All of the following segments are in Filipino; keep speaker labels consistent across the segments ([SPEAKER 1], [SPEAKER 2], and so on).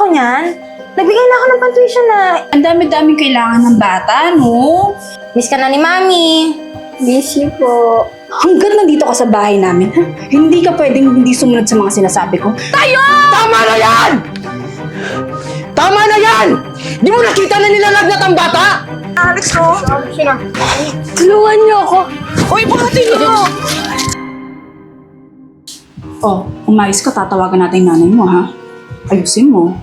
[SPEAKER 1] ako niyan. Nagbigay na ako ng pang-tuition na.
[SPEAKER 2] Ang dami-daming kailangan ng bata, no?
[SPEAKER 1] Miss ka na ni Mami.
[SPEAKER 3] Miss you po.
[SPEAKER 2] Hanggat nandito ka sa bahay namin, ha? Hindi ka pwedeng hindi sumunod sa mga sinasabi ko.
[SPEAKER 4] Tama na yan! Tama na yan! Di mo nakita na nilalagnat ang bata?
[SPEAKER 1] Alex, no?
[SPEAKER 3] Tulungan niyo ako.
[SPEAKER 1] Uy, buhatin niyo!
[SPEAKER 2] Oh, umayos ka, tatawagan natin yung nanay mo, ha? Ayusin mo.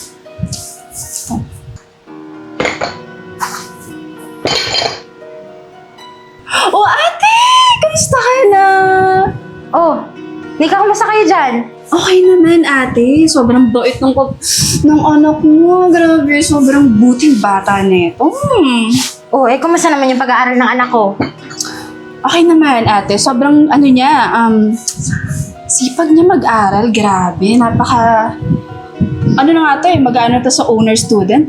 [SPEAKER 2] Oh, ate! Kamusta ka na?
[SPEAKER 1] Oh, Nika, kumusta kayo dyan?
[SPEAKER 2] Okay naman, ate. Sobrang bait ng anak mo. Grabe, sobrang buting bata nito.
[SPEAKER 1] Oh, kumusta naman yung pag-aaral ng anak ko?
[SPEAKER 2] Okay naman, ate. Sobrang, sipag niya mag-aral. Grabe, napaka... Ano na nga to mag-ano to sa owner student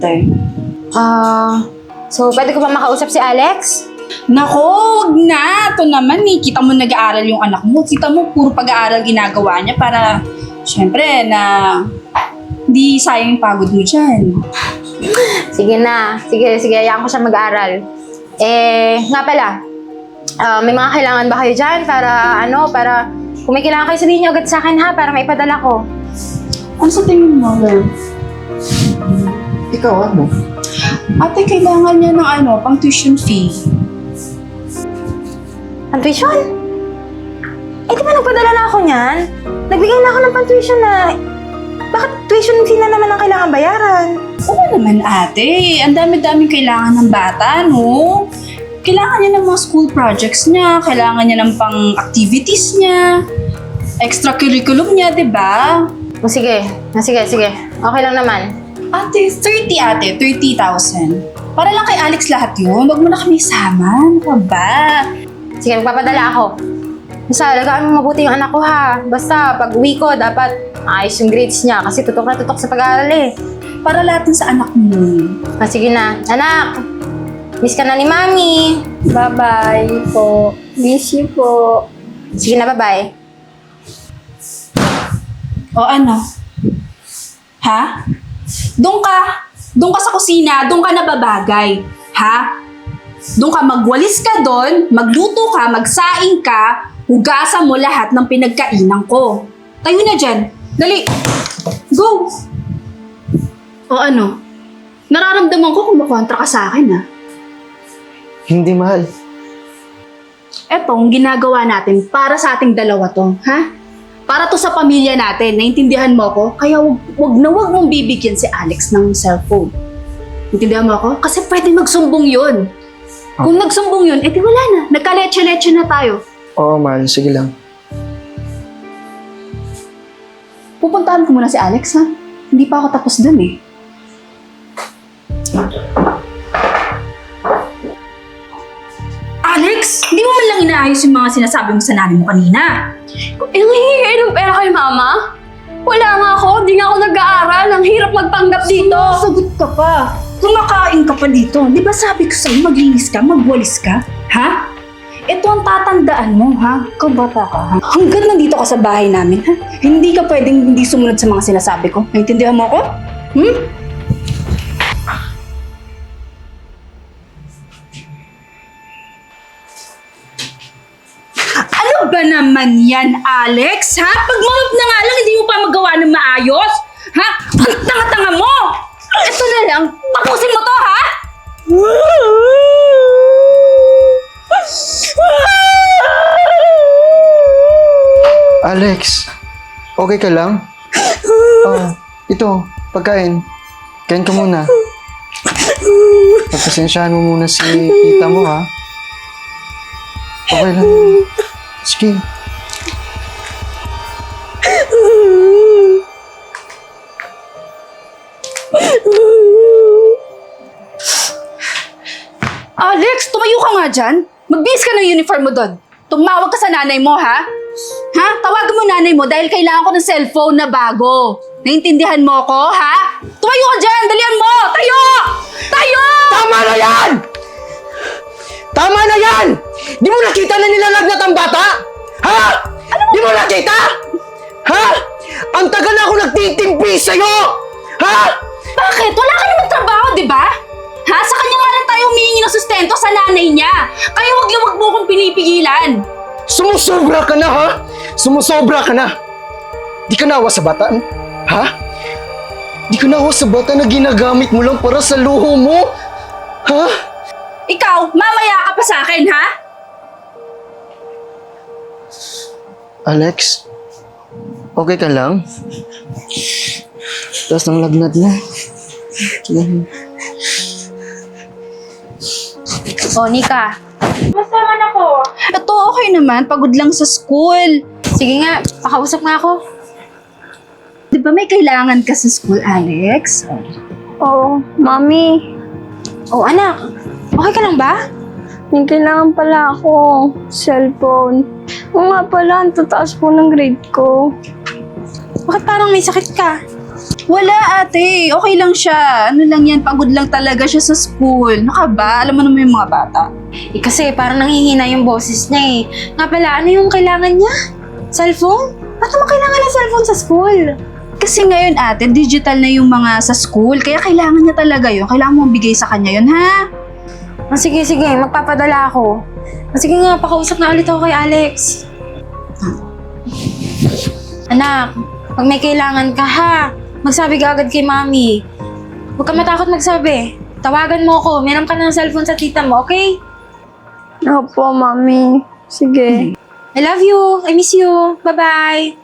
[SPEAKER 1] So pwede ko ba makausap si Alex?
[SPEAKER 2] Nako, wag na. Ito naman kita mo nag-aaral yung anak mo. Kita mo, puro pag-aaral ginagawa niya para, syempre, na hindi sayang yung pagod mo dyan.
[SPEAKER 1] Sige na. Sige, hayaan ko siya mag-aral. Nga pala, may mga kailangan ba kayo dyan para kung may kailangan kayo sabihin niyo agad sa akin ha, para maipadala ko.
[SPEAKER 2] Ano sa tingin mo, love?
[SPEAKER 4] Ikaw, ano?
[SPEAKER 2] Ate, kailangan niya ng pang tuition fee.
[SPEAKER 1] Ang tuition? Di ba nagpadala na ako niyan? Nagbigay na ako ng pang-tuition na... Bakit tuition fee na naman ang kailangan bayaran?
[SPEAKER 2] Oo naman, ate. Ang dami-daming kailangan ng bata, no? Kailangan niya ng mga school projects niya, kailangan niya ng pang-activities niya, extracurriculum niya, di ba?
[SPEAKER 1] O sige. Okay lang naman.
[SPEAKER 2] Ate, 30,000. Para lang kay Alex lahat yun. Huwag mo na kami isama. Ano ka ba?
[SPEAKER 1] Sige, magpapadala ako. Basta, alagaan mo mabuti yung anak ko ha. Basta, pag uwi ko, dapat ayos yung grades niya kasi tutok na tutok sa pag-aaral
[SPEAKER 2] Para lahat sa anak mo.
[SPEAKER 1] Sige na. Anak, miss ka na ni Mami.
[SPEAKER 3] Bye-bye po. Miss you po.
[SPEAKER 1] Sige na, bye-bye.
[SPEAKER 2] O ano? Ha? Doon ka sa kusina, doon ka nababagay. Ha? Doon ka magwalis ka doon, magluto ka, magsaing ka, hugasan mo lahat ng pinagkainan ko. Tayo na dyan. Dali. Go! O ano? Nararamdaman ko kumukontra ka sa akin, ha?
[SPEAKER 4] Hindi, mahal.
[SPEAKER 2] Etong ginagawa natin para sa ating dalawa to, ha? Para to sa pamilya natin, naintindihan mo ko? Kaya wag mong bibigyan si Alex ng cellphone. Intindihan mo ako? Kasi pwede magsumbong yun. Kung nagsumbong yun, di wala na. Nagkaletse-letse na tayo.
[SPEAKER 4] Oo, mahal. Sige lang.
[SPEAKER 2] Pupuntahan ko muna si Alex, ha? Hindi pa ako tapos dun, Alex! Hindi mo man lang inaayos yung mga sinasabi mo sa nanay mo kanina.
[SPEAKER 3] Hingi ng pera kay Mama? Wala nga ako. Di nga ako nag-aaral. Ang hirap magpanggap dito.
[SPEAKER 2] Sagot ka pa. Kumakain ka pa dito. Di ba sabi ko sa'yo, maglinis ka, magwalis ka? Ha? Ito ang tatandaan mo, ha? Kabata ka, ha? Hanggat nandito ka sa bahay namin, ha? Hindi ka pwedeng hindi sumunod sa mga sinasabi ko. Naintindihan mo ako? Ano ba naman yan, Alex? Ha? Pag-mount na nga lang, hindi mo pa magawa ng maayos? Ha? Ang tanga-tanga mo! Ito na lang, tapusin mo to, ha?
[SPEAKER 4] Alex, okay ka lang? Ito, pagkain. Kain ka muna. Pagpasensyahan mo muna si tita mo, ha? Okay lang. Sige.
[SPEAKER 2] Alex, tumayo ka nga dyan. Magbihis ka ng uniform mo doon. Tumawag ka sa nanay mo, ha? Ha? Tawagan mo nanay mo dahil kailangan ko ng cellphone na bago. Naintindihan mo ko, ha? Tumayo ka dyan! Dalian mo! Tayo! Tayo!
[SPEAKER 4] Tama na yan! Tama na yan! Di mo nakita na nilalagnat ang bata? Ha? Di mo nakita? Ha? Ang tagal na ako nagtitimpi sa'yo! Ha?
[SPEAKER 2] Bakit? Wala ka naman trabaho, di ba? Ha? Sa kanya nga lang tayo humihingi ng sustento sa nanay niya. Kaya wag mo kong pinipigilan.
[SPEAKER 4] Sumusobra ka na, ha? Sumusobra ka na! Di ka naawa sa bata, ha? Di ka naawa sa bata na ginagamit mo lang para sa luho mo? Ha?
[SPEAKER 2] Ikaw, mamaya ka pa sa akin, ha?
[SPEAKER 4] Alex, okay ka lang? Taas ng lagnat na.
[SPEAKER 1] Oh, Nika. Basta naman ako.
[SPEAKER 2] Ito, okay naman. Pagod lang sa school.
[SPEAKER 1] Sige nga, pakausap nga ako.
[SPEAKER 2] Di ba may kailangan ka sa school, Alex?
[SPEAKER 3] Oo, Mami.
[SPEAKER 1] Oh, anak. Okay ka lang ba?
[SPEAKER 3] May kailangan pala ako. Cellphone. Oo nga pala, ang tataas po ng grade ko.
[SPEAKER 1] Bakit parang may sakit ka?
[SPEAKER 2] Wala, ate. Okay lang siya. Ano lang yan, pagod lang talaga siya sa school. Naka ba? Alam mo naman yung mga bata.
[SPEAKER 1] Kasi parang nanghihina yung boses niya eh. Nga pala, ano yung kailangan niya? Cellphone? Ba't naman kailangan ng cellphone sa school?
[SPEAKER 2] Kasi ngayon, ate, digital na yung mga sa school. Kaya kailangan niya talaga yun. Kailangan mo bigay sa kanya yun, ha?
[SPEAKER 1] Oh, sige, magpapadala ako. Oh, sige nga, pakausap na ulit ako kay Alex. Anak, pag may kailangan ka ha, magsabi ka agad kay Mami. Huwag ka matakot magsabi. Tawagan mo ako, meron ka ng cellphone sa tita mo, okay?
[SPEAKER 3] Opo, Mami. Sige.
[SPEAKER 1] I love you, I miss you, bye-bye.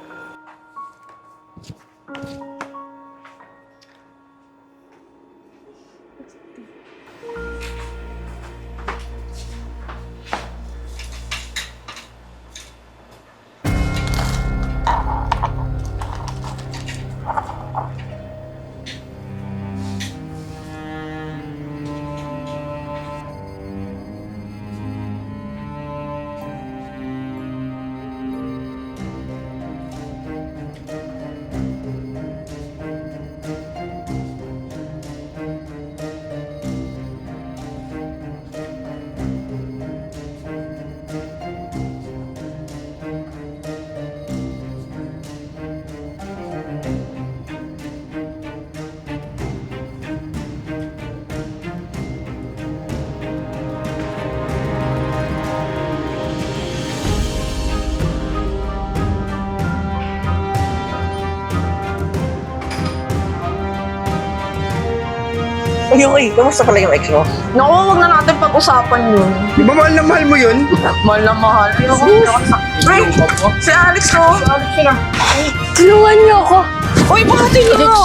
[SPEAKER 5] Okay, kamusta pala yung ex mo?
[SPEAKER 3] Naku, huwag na natin pag-usapan yun.
[SPEAKER 4] Di ba mahal na mahal mo yun?
[SPEAKER 3] Mahal na mahal.
[SPEAKER 5] Ay, si Alex no?
[SPEAKER 3] Tulungan niyo ako.
[SPEAKER 5] Uy, bakit niyo?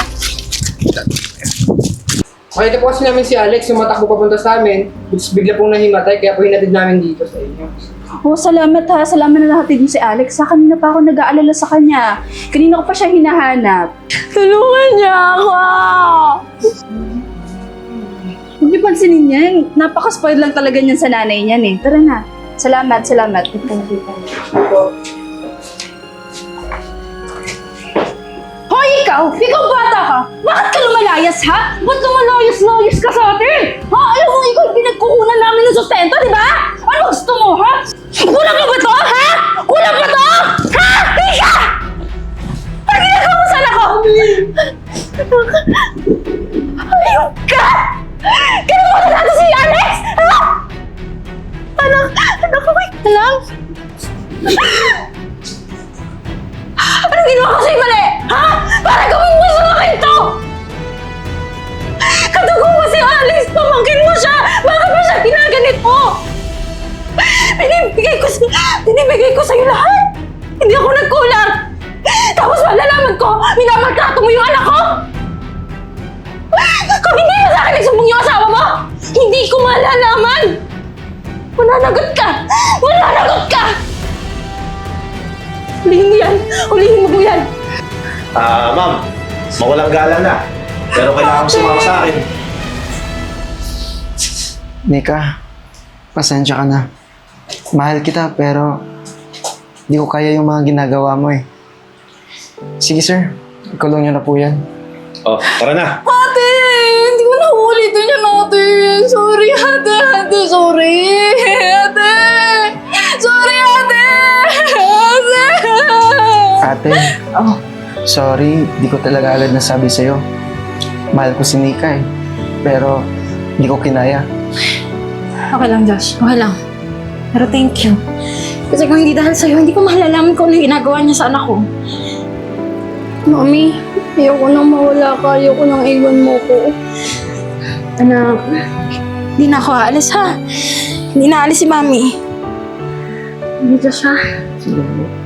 [SPEAKER 6] Makita po kasi namin si Alex yung matakbo papunta sa amin, which bigla pong nahimatay, kaya po hinatid namin dito sa inyo.
[SPEAKER 2] Oh, salamat ha. Salamat na natin si Alex. Sa kanina pa ako nag-aalala sa kanya. Kanina ko pa siya hinahanap.
[SPEAKER 3] Tulungan niyo ako.
[SPEAKER 2] Huwag niyo pansinin yan. Napaka-spoiled lang talaga niyan sa nanay niyan eh. Tara na. Salamat. Hoy, ikaw! Ikaw bata ka! Bakit ka lumalayas, ha? Ba't lumalayas ka sa atin? Ha? Alam mo, ikaw yung pinagkukunan namin ng sustento, di ba? Ano gusto mo, ha? Kulang na ba to, ha? Kulang ba to? Ha? Ika! Ano ginagawa mo sa anak ko? Ayun ka! Kinamutan natin si Alex! Ha? Anak, wait na lang. Anong ginawa ko sa'yo mali? Ha? Para gawin mo sa akin to! Kadugo mo si Alex! Pamangkin mo siya! Bakit mo siya ginaganit mo? Binibigay ko sa'yo lahat! Hindi ako nagkulang! Tapos malalaman ko, minamaltrato mo yung anak ko! Kung hindi mo sa akin nagsumbong yung asawa mo, hindi ko malalaman! Mananagot ka! Hulihin mo yan! Hulihin mo yan!
[SPEAKER 7] Ma'am, mawalang gala na. Pero kailangan mo sumama sa akin.
[SPEAKER 4] Nika, pasensya ka na. Mahal kita pero hindi ko kaya yung mga ginagawa mo eh. Sige sir, ikulong niyo na po yan.
[SPEAKER 7] Oh, tara na.
[SPEAKER 2] Ate! Hindi ko na ulitin yan, ate! Sorry, ate! Sorry! Ate! Sorry, ate!
[SPEAKER 4] Ate, sorry, di ko talaga agad nasabi sa'yo. Mahal ko si Nika eh. Pero hindi ko kinaya.
[SPEAKER 1] Okay lang, Josh. Okay lang. Pero thank you. Kasi kung hindi dahil sa'yo, hindi ko malalaman kung ano yung ginagawa niya sa anak ko.
[SPEAKER 3] Mami, ayoko nang mawala ka. Ayoko nang iwan mo ko.
[SPEAKER 1] Anak, hindi na ako aalis ha. Hindi na aalis si Mami. Hindi, Josh ha.
[SPEAKER 4] Sige.